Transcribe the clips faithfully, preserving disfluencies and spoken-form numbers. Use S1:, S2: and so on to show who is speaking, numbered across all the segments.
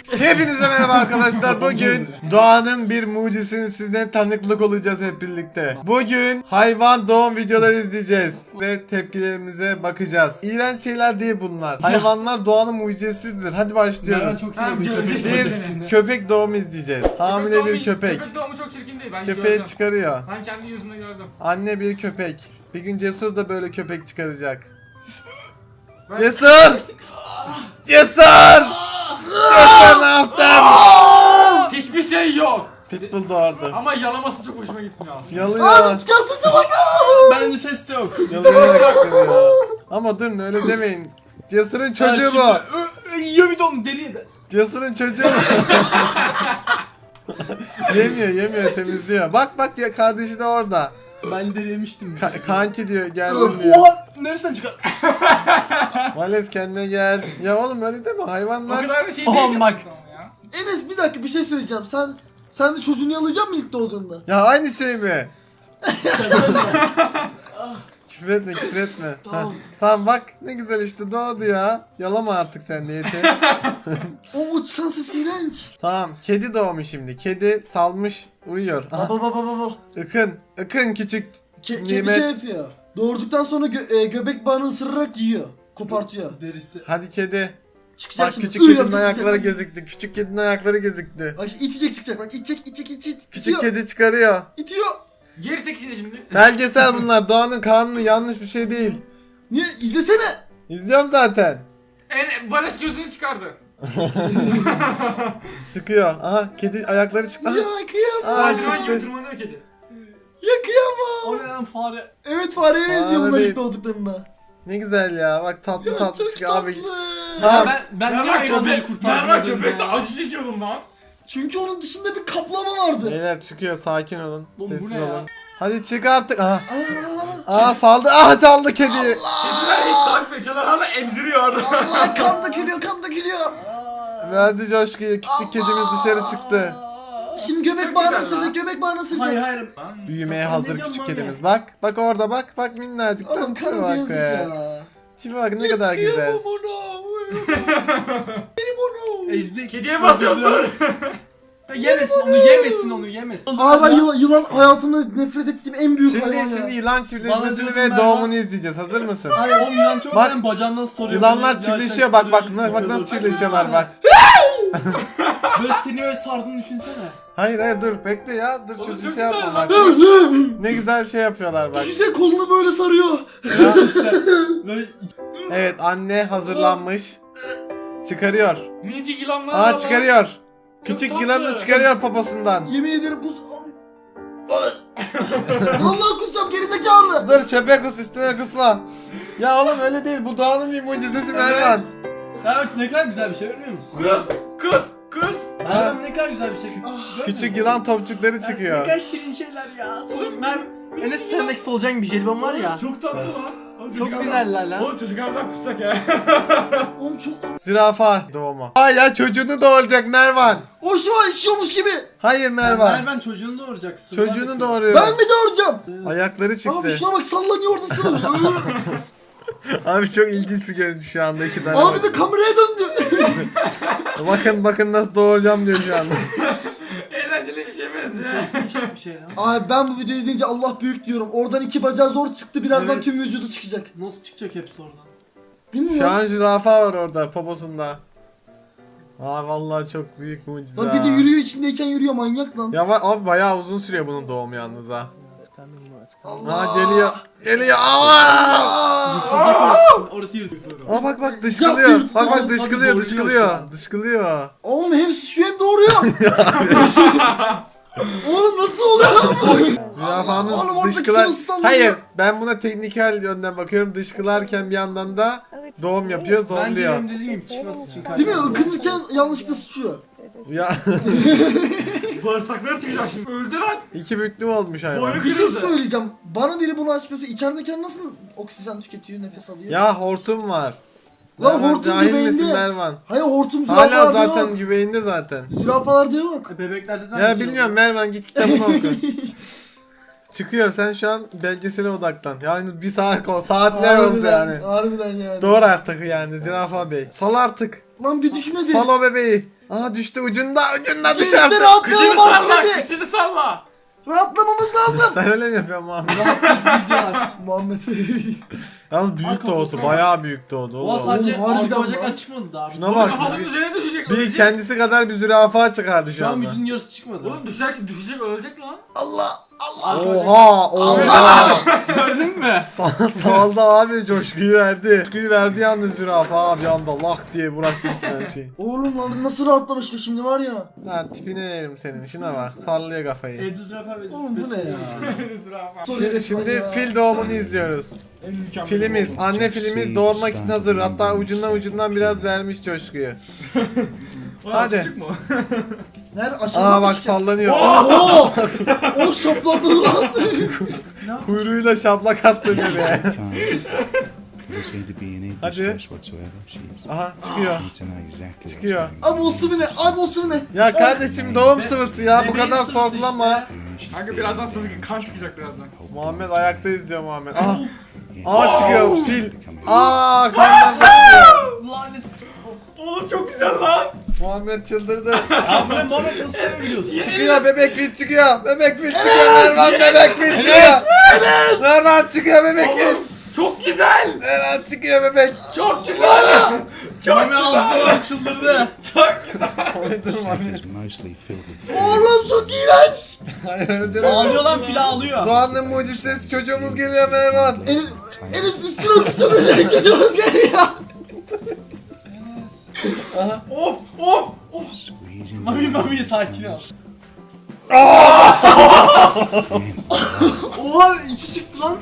S1: Hepinize merhaba arkadaşlar. Bugün doğanın bir mucizesini sizden tanıklık olacağız hep birlikte. Bugün hayvan doğum videoları izleyeceğiz ve tepkilerimize bakacağız. İğrenç şeyler değil bunlar. Hayvanlar doğanın mucizesidir. Hadi başlıyoruz.
S2: Çok
S3: Tamam, göreceğiz.
S1: Bir köpek doğumu izleyeceğiz. Hamile bir köpek.
S3: Köpek doğumu çok çirkin değil. Ben
S1: Köpeği
S3: gördüm.
S1: çıkarıyor.
S3: Ben kendi yüzümle gördüm.
S1: Anne bir köpek. Bir gün Cesur da böyle köpek çıkaracak.
S3: Ben-
S1: Cesur! Cesur! Cesur ne yaptın?
S3: Hiçbir şey yok.
S1: Pitbull doğurdu.
S3: Ama yalaması çok hoşuma gitmiyor aslında.
S1: Yalıyor.
S2: Çıkarsın bak.
S4: Bence ses de yok.
S1: Yalayarak çıkarıyor. Ama durun öyle demeyin. Cesur'un çocuğu bu.
S4: Yiyor bir don deriye de.
S1: Cesur'un çocuğu bu. Yemiyor yemiyor temizliyor. Bak bak ya kardeşi de orada.
S4: Ben deri yemiştim.
S1: Ka- kanki diyor geldim diyor.
S4: Oha! Neresinden çıkar?
S1: Vales kendine gel. Ya oğlum öyle deme
S3: O
S1: hayvanlar.
S3: kadar bir şey
S4: Aman
S3: değil.
S4: bak.
S3: Ya.
S2: Enes bir dakika bir şey söyleyeceğim. Sen sen de çocuğunu yalayacak mısın ilk doğduğunda?
S1: Ya aynı şey mi? Küfür etme küfür etme.
S2: Tamam.
S1: Ha, tamam bak ne güzel işte doğdu ya. Yalama artık sen de yeter.
S2: O o çıkan ses iğrenç.
S1: Tamam kedi doğmuş şimdi. Kedi salmış uyuyor. Aha,
S2: Baba baba baba.
S1: ıkın. Ikın küçük.
S2: Ke kedi
S1: Nimet.
S2: şey yapıyor. Doğurduktan sonra gö e, göbek bağını ısırarak yiyor. Kopartıyor.
S4: Derisi.
S1: Hadi kedi.
S2: Çıkacak
S1: Bak
S2: şimdi.
S1: küçük
S2: Iı
S1: kedinin
S2: yapacak,
S1: ayakları
S2: çıkacak.
S1: gözüktü. Küçük kedinin ayakları gözüktü.
S2: Bak şimdi itecek çıkacak. Bak itecek itecek itecek.
S1: Küçük
S2: İtiyor.
S1: kedi çıkarıyor.
S2: İtiyor.
S3: Geri çek şimdi şimdi.
S1: Belgesel bunlar. Doğanın kanunu yanlış bir şey değil.
S2: Niye? İzlesene.
S1: İzliyorum zaten.
S3: En Vales gözünü çıkardı.
S1: Sıkıyor. Aha kedi ayakları çıktı.
S2: Ya
S1: Aha.
S2: kıyamam.
S1: Aa,
S3: Spiderman gibi
S1: çıktı.
S3: tırmanıyor kedi.
S2: Ya kıyamam.
S4: O ne lan fare?
S2: Evet fareye benziyor
S1: Fare
S2: bunlar
S1: değil.
S2: ilk doğduklarında.
S1: Ne güzel ya. Bak tatlı
S2: Ya
S1: tatlı
S2: çok
S1: çıkıyor
S2: tatlı.
S1: abi.
S4: Ya
S1: Tamam.
S4: ben ben niye
S3: Merhaba
S4: hayvanları
S3: köpek.
S4: kurtardım?
S3: Merhaba
S4: dedim
S3: köpekte
S4: ya?
S3: acı çekiyordum lan.
S2: Çünkü onun dışında bir kaplama vardı.
S1: Beyler çıkıyor sakin olun.
S4: Oğlum bu
S1: Sessiz
S4: ne ya?
S1: olun. Hadi çık artık. Aha.
S2: Aa,
S1: Aa saldı. Aha çaldı kedi.
S3: Kediler hiç takip ediyorlar hala emziriyor orada.
S2: Allah kan dökülüyor kan dökülüyor.
S1: Verdi coşkuyu. Küçük kedimiz dışarı çıktı.
S2: Şimdi göbek
S3: Çok
S2: bağını
S3: güzel
S2: ısıracak
S3: lan.
S2: göbek bağını ısıracak.
S4: Hayır hayır.
S1: Büyümeye
S4: Ben
S1: hazır
S4: ne diyorum
S1: küçük
S4: lan
S1: kedimiz.
S4: ya?
S1: Bak. Bak orada bak. Bak minnacıktan.
S2: Oğlum
S1: Tipe
S2: kanı
S1: bak
S2: yazık
S1: be.
S2: ya.
S1: Tipe bak ne kadar güzel.
S2: Kıyamam ona. Benim onu.
S4: Ezdi.
S3: Kediye basıyorsun.
S4: Ya yemesin onu yemesin onu yemesin.
S2: Aa ben yılan, yılan hayatımda nefret ettiğim en büyük
S1: Şimdi
S2: hayvan
S1: şimdi
S2: ya.
S1: yılan
S4: Bana
S1: çiftleşmesini
S4: diyordun
S1: ve
S4: ben
S1: doğumunu
S4: bak-
S1: izleyeceğiz. Hazır mısın?
S4: Hayır oğlum yılan çok
S1: Bak,
S4: ben bacağından soruyor.
S1: Yılanlar
S4: Böyle
S1: çiftleşiyor.
S4: gerçek
S1: Bak bak
S4: soruyor.
S1: bak nasıl çiftleşiyorlar bak.
S4: Böyle seni öyle sardığını düşünsene.
S1: Hayır hayır dur bekle ya. Dur
S3: Oğlum
S1: çocuğu
S3: çok
S1: şey yapma
S3: güzel
S1: bak. Ne güzel şey yapıyorlar bak.
S2: Düşünsene kolunu böyle sarıyor.
S1: Ya,
S4: İşte böyle
S1: evet anne hazırlanmış. Çıkarıyor.
S3: Minicik yılanlar
S1: Aa
S3: var.
S1: çıkarıyor. Küçük
S3: tatlı.
S1: yılanını çıkarıyor poposundan.
S2: Yemin ederim kus... Vallahi kusacağım gerizekalı.
S1: Dur çöpe kus üstüne kusma. Ya oğlum öyle değil bu doğanın bir mucizesi Mervan.
S4: Ya bak ne kadar güzel bir şey görmüyor musun?
S3: Kız, kız, kız.
S4: Ya ne kadar güzel bir şey. Görmüyor
S1: Küçük
S4: musun?
S1: yılan topçukları
S4: Ya Ne
S1: çıkıyor.
S4: kadar şirin şeyler ya. Sonra ben Enes Sendex solucan bir jelibon var ya.
S3: Çok tatlı lan. Oğlum
S4: Çok
S3: çocuk
S4: güzeller
S3: adam-
S4: lan.
S3: Oğlum çocuk harbiden kusacak ya.
S2: Oğlum çok...
S1: Zürafa doğumu. Aa ya çocuğunu doğuracak Mervan.
S2: O şu an işiyormuş gibi.
S1: Hayır Mervan.
S4: Mervan çocuğunu doğuracak. Sırlar
S1: Çocuğunu
S4: döküyor.
S1: doğuruyor.
S2: Ben mi doğuracağım?
S1: Ayakları
S2: Abi
S1: çıktı.
S2: şuna bak sallanıyor orada sıra.
S1: Abi çok ilginç bir görüntü şu anda iki tane.
S2: Abi de kameraya döndü.
S1: Bakın bakın nasıl doğuracağım diyor şu anda.
S3: Eğlenceli bir şey benziyor.
S4: Değişik bir şey lan.
S2: Abi ben bu videoyu izleyince Allah büyük diyorum. Oradan iki bacağı zor çıktı. Birazdan
S4: Evet.
S2: tüm vücudu çıkacak.
S4: Nasıl çıkacak hepsi oradan?
S2: Değil mi
S1: Şu
S2: lan?
S1: an zürafa var orada poposunda. Aa vallahi çok büyük mucize.
S2: Lan bir de yürüyor içindeyken yürüyor manyak lan.
S1: Ya va- abi bayağı uzun sürüyor bunun doğumu yalnız ha.
S2: Allah.
S1: Aa geliyor. Geliyor. Aa!
S4: Yırtılacak orası. Orası yırtılacak.
S1: Aa bak bak dışkılıyor.
S2: Yapma.
S1: Bak bak
S4: Tabii
S1: dışkılıyor
S4: doğruyor
S1: dışkılıyor.
S4: şu an.
S1: Dışkılıyor.
S2: Oğlum hem şu hem doğuruyor. Oğlum nasıl oluyor lan bu? Oğlum
S1: Zürafamız
S2: oradaki
S1: dışkılar.
S2: sırası sallıyor.
S1: Hayır ben buna teknikel yönden bakıyorum. Dışkılarken bir yandan da doğum yapıyor
S4: Bence
S1: zorluyor.
S4: benim dediğim gibi çıkması için
S2: Değil mi?
S4: kaybediyorum.
S2: Ikınırken yanlışlıkla sıçıyor.
S1: Ya
S3: Bağırsakları çıkacak şimdi. Öldü lan.
S1: iki büklüm olmuş hayvan.
S3: Boynu
S2: Bir şey
S3: kırıldı.
S2: söyleyeceğim. Bana biri bunu açıklasa içerideyken nasıl oksijen tüketiyor, nefes alıyor?
S1: Ya hortum var.
S2: Lan
S1: Mervan,
S2: hortum
S1: cahil
S2: göbeğinde.
S1: misin Mervan?
S2: Hayır hortum
S1: Hala
S2: zürafalarda
S1: zaten
S2: yok.
S1: güveğinde zaten.
S2: Zürafalarda yok.
S4: E, Bebeklerde de
S1: Ya
S4: aynı şey
S1: bilmiyorum
S4: oluyor.
S1: Mervan git kitabını oku. Çıkıyor sen şu an belgesele odaklan. Yani bir saat kol saatler oldu
S2: Harbiden,
S1: yani.
S2: harbiden yani.
S1: Doğru artık yani Zürafa Bey. Sal artık.
S2: Lan bir düşmedi.
S1: Sal o bebeği. Aha düştü ucunda ucunda
S2: İşte
S1: dışarıda.
S3: Kışını
S2: rahatlayalım artık
S3: salla,
S2: hadi.
S3: kışını salla.
S2: Rahatlamamız lazım.
S1: Sen öyle mi yapıyorsun Muhammed?
S4: Videolar.
S2: Muhammed.
S1: Yalnız büyük
S4: Arka
S1: doğdu.
S4: kafasına
S1: Bayağı büyük doğdu
S4: Oha
S1: oğlum.
S4: sadece
S2: Oğlum, harbiden
S4: arka bacak
S2: lan.
S4: çıkmadı daha.
S1: Şuna bak.
S3: Kafasının üzerine düşecek.
S1: Bir
S3: ölecek.
S1: kendisi kadar bir zürafa çıkardı şu
S4: Şu an
S1: anda.
S4: vücudun yarısı çıkmadı.
S3: Oğlum düşecek, düşecek ölecek lan.
S2: Allah.
S4: Arka bacak-
S1: Oha oha.
S4: Gördün mü?
S1: Sa- Saldı abi coşkuyu verdi. Coşkuyu verdi yalnız zürafa abi anda lak diye bıraktı her şeyi.
S2: Oğlum lan nasıl rahatlamıştı şimdi var ya.
S1: Lan tipine yerim senin şuna bak sallıyor kafayı.
S4: Evde zürafa ve
S2: Oğlum bu ne ya?
S3: Zürafa.
S1: Şimdi, şimdi fil doğumunu izliyoruz.
S3: En mükemmel
S1: Filimiz,
S3: oldu.
S1: anne filimiz doğurmak için hazır. Hatta ucundan ucundan biraz vermiş coşkuyu.
S3: Oğlum,
S1: Hadi.
S3: çocuk mu?
S2: Nerede aşağıdan
S1: Aa
S2: mı
S1: bak
S2: çıkacak?
S1: sallanıyor.
S2: Oo! Oh şapladı lan.
S1: Kuyruğuyla şaplak attı nereye.
S5: Hadi.
S1: Aha çıkıyor.
S5: Çıkıyor.
S2: Abi o sıvı ne? Abi o sıvı ne?
S1: Ya kardeşim doğum sıvısı ya bu
S4: Bebeğin
S1: kadar
S4: sırası
S1: sorgulama.
S4: işte.
S3: Kanka birazdan sana kan çıkacak birazdan.
S1: Muhammed ayakta izliyor Muhammed. Aha. Aa çıkıyor fil. Aa kandan çıkıyor.
S4: Lanet.
S3: Oğlum çok güzel lan.
S1: Muhammed çıldırdı.
S4: Ya bu ne Muhammed nasıl seviyorsun?
S1: Çıkıyor bebek fil çıkıyor. Bebek fil çıkıyor. Mervan bebek fil çıkıyor. Mervan çıkıyor bebek fil.
S3: Çok güzel.
S1: Mervan çıkıyor bebek.
S3: Çok güzel.
S4: Muhammed ağzından çıldırdı.
S3: Çok güzel.
S1: Dur Muhammed.
S2: Oğlum çok iğrenç.
S1: Hayır öyle deme.
S4: Ağlıyor lan fil ağlıyor.
S1: Doğan'ın mucizesi çocuğumuz geliyor Mervan.
S2: Enes, Enes üstüne kusura çocuğumuz geliyor.
S3: Of of of.
S4: Mami mami sakin ol. Oha içi çıktı lan.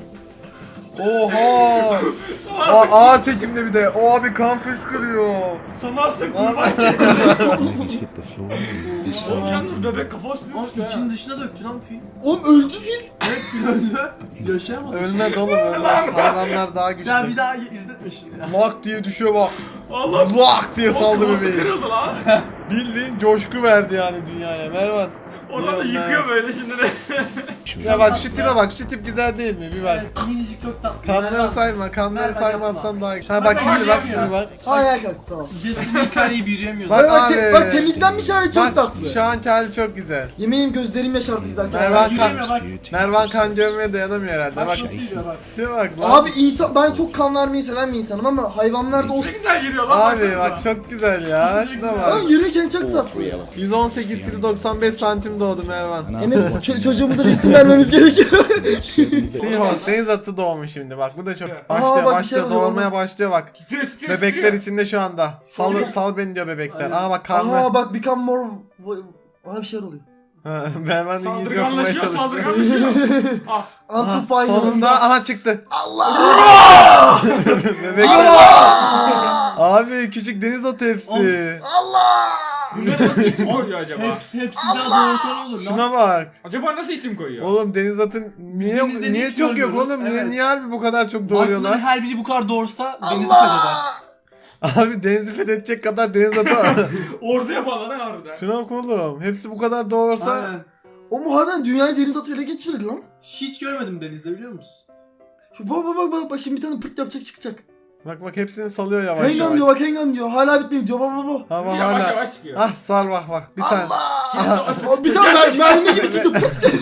S1: Oha.
S3: Sana
S1: Aa, ağır çekimde bir de. O abi kan fışkırıyor.
S3: sana sık kurban
S1: Vallahi.
S3: kesin. Oğlum yalnız bebek kafa üstüne
S4: Lan
S3: üstüne.
S4: için dışına döktü lan fil.
S2: Oğlum öldü fil.
S4: Evet fil öldü. Yaşayamaz.
S1: Ölmez oğlum ölmez. Hayvanlar daha güçlü.
S4: Ya bir daha izletme şimdi ya.
S1: Lak diye düşüyor bak.
S3: Allah.
S1: Lak diye
S3: O
S1: saldı
S3: kafası
S1: bebeği.
S3: kırıldı lan.
S1: Bildiğin coşku verdi yani dünyaya. Mervan.
S3: Oradan da
S1: İyi oldu
S3: yıkıyor böyle şimdi de.
S1: Ya bak şu tipe bak. Şu tip güzel değil mi? Bir bak.
S4: Evet, minicik çok tatlı.
S1: Kanları
S4: Merhaba.
S1: sayma. Kanları
S4: Merhaba,
S1: saymazsan
S4: yapma.
S1: daha iyi. Ha bak şimdi bak şimdi bak.
S2: Ayağa kalk tamam.
S4: Justin Hikaye'yi büyüyemiyordu.
S1: Bak
S2: Bak, bak, te-
S1: abi.
S2: bak temizlenmiş hali çok
S1: Bak
S2: tatlı.
S1: şu anki hali çok güzel.
S2: Yemeğim gözlerim yaşardı izlerken.
S1: Mervan kan,
S4: Yürüyemiyor bak.
S1: Mervan kan görmeye dayanamıyor herhalde.
S4: Bak
S1: Bak.
S4: nasıl yürüyor bak.
S1: Şuna bak lan.
S2: Abi insan ben çok kan vermeyi seven bir insanım ama hayvanlarda o
S3: Ne güzel giriyor lan.
S1: Abi
S3: baksanıza.
S1: bak çok güzel ya. Şuna bak.
S2: Lan yürürken çok tatlı.
S1: yüz on sekiz kilo doksan beş santim doğdu Mervan.
S2: Enes ç- çocuğumuza cisim vermemiz gerekiyor.
S1: Seahorse deniz atı doğmuş şimdi bak bu da çok
S3: Aa,
S1: başlıyor
S2: bak bir şey
S1: başlıyor
S2: oluyor
S1: doğurmaya
S2: oğlum.
S1: başlıyor bak.
S3: Titriyor titriyor
S1: Bebekler
S3: titriyor.
S1: içinde şu anda. Sal
S3: Çok-
S1: sal beni diyor bebekler.
S4: Aynen.
S1: Aa bak karnı.
S2: Aha bak become more... Aha bir şeyler oluyor.
S1: Ha, Mervan İngilizce okumaya
S3: Saldırganlaşıyor
S1: çalıştı.
S3: saldırganlaşıyor. Ah.
S2: Until
S1: Aha,
S2: final.
S1: sonunda aha çıktı.
S2: Allah!
S1: Bebekler. Abi küçük deniz atı hepsi.
S2: Allah!
S3: Bunlar nasıl isim koyuyor acaba?
S4: Hepsi, hepsi daha doğrusu ne olur lan?
S1: Şuna bak.
S3: Acaba nasıl isim koyuyor?
S1: Oğlum deniz atın niye
S4: Denizde
S1: niye
S4: hiç
S1: çok yok
S4: görmüyoruz.
S1: oğlum? Niye
S4: Evet.
S1: niye harbi bu kadar çok
S4: Doğuruyorlar.
S1: doğuruyorlar?
S4: Her biri bu kadar doğursa denizi fetheder.
S2: Allah!
S1: Abi denizi fethedecek kadar deniz atı.
S3: Ordu yapanlar ha harbiden.
S1: Şuna bak oğlum. Hepsi bu kadar doğursa.
S4: Aynen.
S2: O muharrem dünyayı deniz atı ele geçirir lan.
S4: Hiç görmedim denizde biliyor musun?
S2: Şu bak bak bak bak bak şimdi bir tane pırt yapacak çıkacak.
S1: Bak bak hepsini salıyor yavaş
S2: Hengan
S1: yavaş.
S2: diyor bak hengan diyor. Hala bitmiyor diyor bak bak bak.
S1: Ha bak
S3: Yavaş
S1: hala.
S3: yavaş çıkıyor.
S1: Ah sar bak bak bir tane.
S2: Allah! O bir tane mer- mermi gibi çıktı.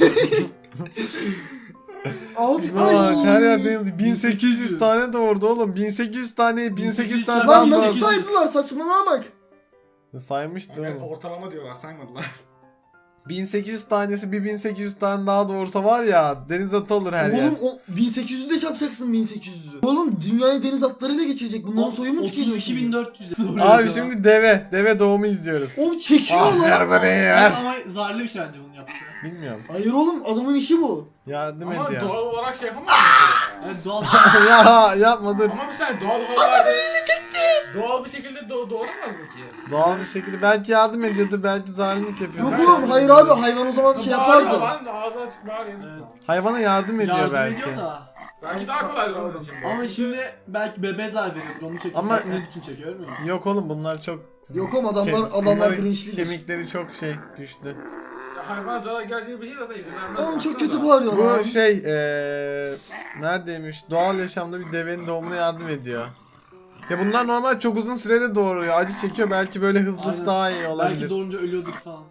S2: Abi
S1: Şuna bak
S2: ay.
S1: her yer deniz. bin sekiz yüz tane doğurdu oğlum. bin sekiz yüz tane bin sekiz yüz tane
S4: Lan
S1: daha
S2: Lan nasıl
S1: doğurdu.
S2: saydılar saçmalama bak.
S1: Saymıştı
S3: Evet,
S1: oğlum.
S3: ortalama diyorlar saymadılar.
S1: bin sekiz yüz tanesi bir bin sekiz yüz tane daha doğursa var ya deniz atı olur her yer.
S2: Oğlum o bin sekiz yüzü de çarpacaksın bin sekiz yüzü. Oğlum dünyayı deniz atlarıyla geçirecek. Bunların soyu mu tükeniyor?
S4: otuz iki bin dört yüz.
S1: Abi şimdi deve. Deve doğumu izliyoruz.
S2: Oğlum çekiyor
S1: Ah ver
S2: lan.
S1: bebeği ver.
S4: Ama zararlı bir şey bence bunu yaptı.
S1: Bilmiyorum.
S2: Hayır oğlum adamın işi bu.
S1: Yardım
S3: Ama
S1: et ya.
S3: doğal olarak şey yapamaz mısın?
S4: Evet doğal.
S1: Ya yapma dur.
S3: Ama bir saniye doğal olarak... Doğal bir şekilde do- doğuramaz mı ki?
S1: Doğal bir şekilde belki yardım ediyordur belki zalimlik yapıyordur.
S2: Yok oğlum hayır abi hayvan o zaman şey
S3: Bağırıyor
S2: yapardı.
S3: lan, ağzı açık bağırıyor.
S4: Evet.
S1: Hayvana yardım ediyor
S4: Yardım
S1: belki.
S4: ediyor da.
S3: Belki daha kolay onun için. bu.
S4: Ama şimdi belki bebeğe zarar veriyordur onu çekiyor.
S1: Ama-
S4: Ama ne biçim çekiyor görmüyor musun?
S1: Yok oğlum bunlar çok
S2: Yok oğlum adamlar
S1: Ke-
S2: adamlar
S1: bunların
S2: bilinçlidir.
S1: kemikleri çok şey güçlü.
S3: Ya hayvan zarar geldiği bir şey zaten izin vermez.
S2: Oğlum çok
S3: Baksana.
S2: kötü bağırıyor lan.
S1: Bu şey eee neredeymiş? Doğal yaşamda bir devenin doğumuna yardım ediyor. Ya bunlar normal çok uzun sürede doğuruyor. Acı çekiyor, belki böyle hızlısı
S4: Aynen.
S1: daha iyi
S4: Belki
S1: olabilir.
S4: doğunca ölüyorduk falan.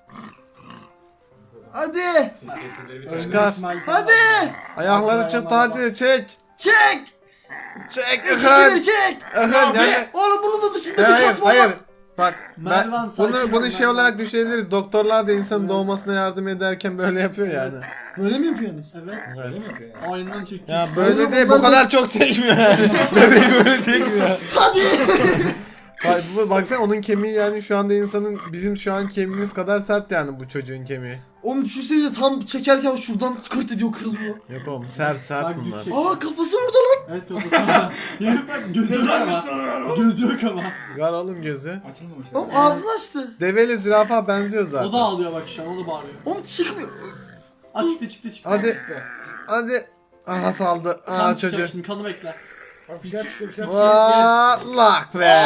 S2: Hadi.
S1: Çıkar.
S2: Hadi.
S1: Ayakları çıt hadi çek.
S2: Çek.
S1: Çek
S2: Çekilir
S1: Akın.
S2: çek.
S1: Akın yani.
S2: Oğlum bunun da dışında bir
S1: Hayır
S2: kat var.
S1: hayır. Bak ben
S4: Mervan, sakin
S1: bunu
S4: ol,
S1: bunu şey
S4: Mervan.
S1: olarak düşünebiliriz. Doktorlar da insanın doğmasına yardım ederken böyle yapıyor yani.
S2: Böyle mi yapıyorsunuz?
S4: Evet.
S3: Öyle mi yapıyor yani?
S4: Aynen çekti.
S1: Ya
S4: işte.
S1: böyle
S2: Oğlum
S1: değil, bu
S2: bunlar da-
S1: kadar çok çekmiyor yani. Bebeği böyle çekmiyor.
S2: Hadi.
S1: Bak, bu- baksana onun kemiği yani şu anda insanın bizim şu an kemiğimiz kadar sert yani bu çocuğun kemiği.
S2: Oğlum düşünsenize tam çekerken şuradan kırt ediyor kırılıyor.
S1: Yok oğlum sert sert
S4: Bak,
S1: bunlar.
S4: düşecek.
S2: Aa kafası burada lan.
S4: Evet kafasında. Herif bak gözü yok ama. Gözü yok ama.
S1: Var oğlum gözü.
S3: Açılmamış.
S2: Oğlum ağzını açtı.
S1: Develi zürafa benziyor zaten.
S4: O da ağlıyor bak şu an, o da bağırıyor.
S2: Oğlum çıkmıyor.
S4: Aa çıktı çıktı çıktı.
S1: Hadi hadi. Aha saldı.
S4: Kan
S1: Aa
S4: çıkacak
S1: çocuğu.
S4: şimdi, kanı bekle.
S3: Bak bir şeyler çıkıyor bir şeyler çıkıyor.
S1: Vallahi be.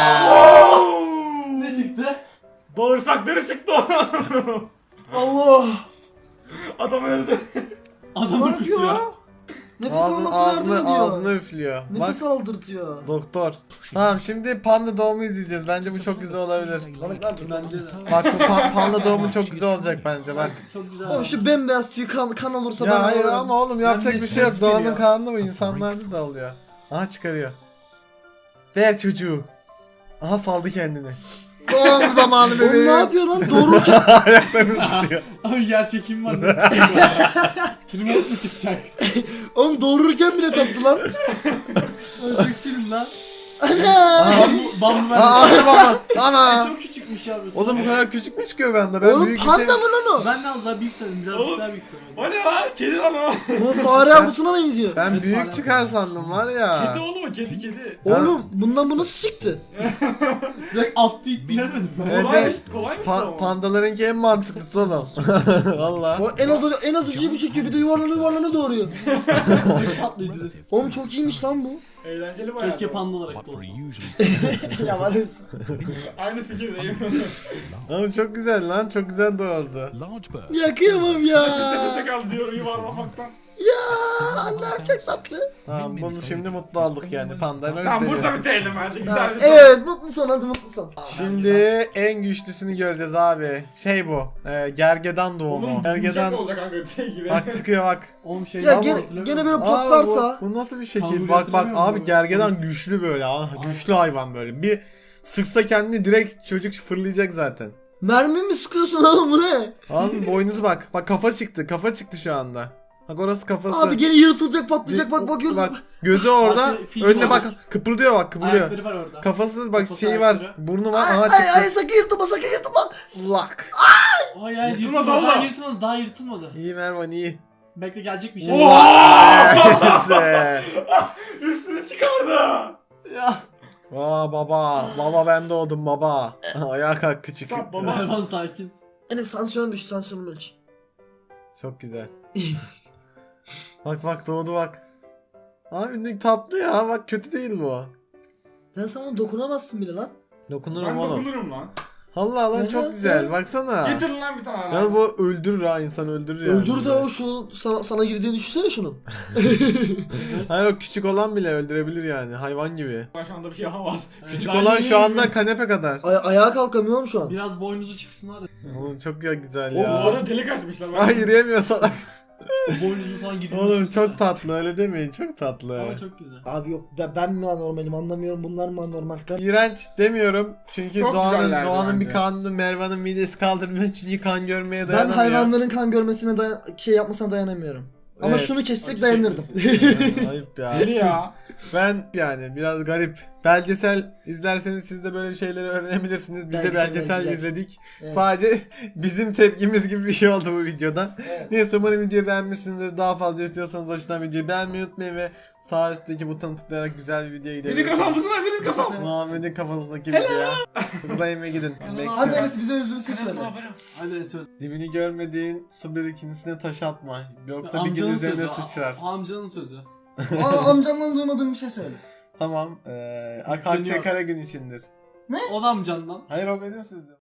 S4: Ne çıktı?
S3: Bağırsakları çıktı o.
S2: Allah.
S3: Adam öldü.
S4: Adamı
S2: Ne yapıyor?
S4: kusuyor.
S2: Nefes
S1: Ağzını,
S2: almasına yardım
S1: ağzını,
S2: ediyor.
S1: ağzını üflüyor. Bak
S2: Nefes aldırtıyor.
S1: doktor. Tamam şimdi panda doğumu izleyeceğiz. Bence bu çok güzel olabilir.
S4: Bence de.
S1: Bak bu pa- panda doğumu çok güzel olacak bence bak.
S4: Çok güzel.
S2: Oğlum şu bembeyaz tüy kan, kan olursa ben
S1: Ya hayır
S2: alırım.
S1: ama oğlum yapacak
S4: Ben
S1: bir
S4: de
S1: şey yok.
S4: sevgi
S1: Doğanın
S4: geliyor.
S1: kanunu bu, insanlarda da oluyor. Aha çıkarıyor. Ver çocuğu. Aha saldı kendini. Doğum zamanı
S2: Oğlum
S1: bebeğim.
S2: ne yapıyor lan? Doğrulurken,
S1: Ayaklarını tutuyor.
S4: Abi yer çekim var, nasıl çıkacak? Remote mu çıkacak?
S2: oğlum doğururken bile tatlı lan.
S4: Ay çok şirin lan.
S2: Ana.
S4: Bambu, bambu
S1: Aa
S4: ben.
S1: anne baba. Ana.
S4: Çok küçükmüş abi.
S1: Oğlum bu kadar küçük mü çıkıyor bende? Ben
S2: Oğlum
S1: büyük bir
S2: panda
S1: şey...
S2: mı lan o?
S4: Ben de az daha büyük sanırım, birazcık
S3: Oğlum,
S4: daha büyük sanırım.
S3: O ne lan? Kedi lan o.
S2: Bu fare yavrusuna benziyor.
S1: Ben
S4: Evet,
S1: büyük
S4: pardon.
S1: çıkar sandım var ya.
S3: Kedi oğlum o kedi kedi.
S2: Oğlum bundan bu nasıl çıktı?
S4: Direkt attı itti görmedim ben.
S1: Evet,
S3: Kolaymış
S1: evet.
S3: kolaymış
S1: Pa-
S3: da o.
S1: pandalarınki en mantıklısı oğlum. Valla.
S2: O en az en az acıyı bir çekiyor, bir de yuvarlanı yuvarlanı doğuruyor.
S4: Tatlıydı.
S2: Oğlum çok iyiymiş lan bu.
S3: Eğlenceli bayağı.
S4: Keşke panda olarak da olsa.
S2: Ya Valis.
S3: Aynı fikirdeyim.
S1: Oğlum çok güzel lan, çok güzel doğurdu.
S2: Ya kıyamam ya.
S3: Nefese kaldı diyor yuvarlamaktan.
S2: Ya ne yapacak tatlı?
S1: Tamam bunu şimdi mutlu olduk yani, pandaları
S3: Tamam
S1: seviyorum.
S3: burada bitelim hadi güzel bir
S2: Evet mutlu son, hadi mutlu son.
S1: Şimdi en güçlüsünü göreceğiz abi. Şey bu, e, gergedan doğumu.
S3: Oğlum
S1: Gergedan,
S3: gergedan olacak kanka şey gibi.
S1: bak çıkıyor bak.
S4: Oğlum şey
S2: Ya
S4: daha
S2: gene,
S4: hatırlamıyorum.
S2: gene böyle
S1: Abi
S2: patlarsa.
S1: bu, bu nasıl bir şekil?
S4: Kanguru
S1: Bak bak
S4: hatırlamıyor
S1: abi
S4: musun?
S1: gergedan güçlü böyle. Aa, güçlü hayvan böyle. Bir sıksa kendini direkt çocuk fırlayacak zaten.
S2: Mermi mi sıkıyorsun oğlum, bu ne?
S1: Abi boynuzu bak. Bak kafa çıktı. Kafa çıktı şu anda. Bak orası kafası.
S2: Abi gene yırtılacak, patlayacak, bak bakıyoruz.
S1: Bak gözü orada.
S4: Bak, film
S1: Önüne bak.
S4: olacak.
S1: Kıpırdıyor bak, kıpırdıyor.
S4: Ayakları var orada.
S1: Kafası bak
S4: Kafası,
S1: şeyi var.
S4: ayakları.
S1: Burnu var.
S2: Ay
S1: Aha
S2: ay
S1: çıktı.
S2: ay sakın yırtılma, sakın yırtılma.
S1: Lak.
S4: Ay ay
S3: Yırtılmadı
S4: yırtılmadı, daha
S3: oğlum.
S4: yırtılmadı, daha yırtılmadı.
S1: İyi Mervan iyi.
S4: Bekle gelecek bir şey.
S1: Neyse.
S3: Üstünü çıkardı.
S4: Ya.
S1: Aa baba. Baba ben doğdum baba. Ayağa kalk küçük.
S3: Sap baba.
S4: Mervan sakin.
S2: Enes tansiyonum düştü, tansiyonumu ölç.
S1: Çok güzel. Bak bak doğdu bak. Abi ne tatlı ya, bak kötü değil bu.
S2: Ben sana dokunamazsın bile lan.
S1: Dokunurum
S3: Ben
S1: oğlum.
S3: dokunurum lan.
S1: Allah lan
S2: Evet,
S1: çok güzel, baksana.
S3: Getir lan bir tane.
S1: Ya bu öldürür ha, insan öldürür yani.
S2: Öldür de o şu sana, sana girdiğini düşünsene şunun.
S1: Hayır o küçük olan bile öldürebilir yani, hayvan gibi.
S3: Ben şu anda bir şey yapamaz.
S1: Küçük
S3: Ben
S1: olan
S3: yeni
S1: şu anda
S3: yürüyorum.
S1: kanepe kadar.
S2: Ay ayağa kalkamıyorum şu an.
S4: Biraz boynuzu çıksın hadi.
S1: Oğlum çok ya güzel
S3: O
S1: ya.
S3: duvara delik açmışlar.
S1: Ay yürüyemiyor salak.
S4: Boynuzu falan gidiyor.
S1: Oğlum çok tatlı, öyle demeyin, çok tatlı.
S4: Ama çok güzel.
S2: Abi yok ben, ben mi anormalim anlamıyorum, bunlar mı anormal?
S1: İğrenç demiyorum çünkü
S3: Çok
S1: doğanın
S3: güzeller
S1: doğanın bir
S3: bence.
S1: kanunu, Mervan'ın midesi kaldırmıyor çünkü kan görmeye
S2: Ben
S1: dayanamıyor.
S2: hayvanların kan görmesine dayan şey yapmasına dayanamıyorum. Ama
S1: Evet.
S2: şunu kessek
S3: Acı
S2: dayanırdım.
S1: Ayıp ya.
S3: Deli ya.
S1: Ben yani biraz garip. Belgesel izlerseniz siz de böyle şeyleri öğrenebilirsiniz. Biz de
S2: Belgesel,
S1: belgesel
S2: güzel.
S1: izledik.
S2: Evet.
S1: Sadece bizim tepkimiz gibi bir şey oldu bu videoda.
S2: Evet.
S1: Neyse umarım videoyu beğenmişsinizdir. Daha fazla istiyorsanız aşağıdan videoyu beğenmeyi unutmayın ve sağ üstteki butona tıklayarak güzel bir videoya
S3: Benim
S1: gidebilirsiniz.
S3: kafamsın lan benim kafam.
S1: Muhammed'in kafasındaki videoya. Tıklayın ve gidin.
S2: Hadi
S1: Bekliyorum.
S2: Enes bize özlü bir şey söyle.
S4: Hadi söz.
S1: Dibini görmediğin su birikintisine taş atma. Yoksa bir gün
S4: Amcanın
S1: üzerine
S4: sözü.
S1: sıçrar.
S4: a- Amcanın sözü.
S2: Aa amcamdan duymadığım bir şey söyle.
S1: Tamam. Ee, Akçe
S4: Dinliyorum.
S1: Karagün içindir.
S4: O da amcandan.
S1: Hayır o benim sözüm.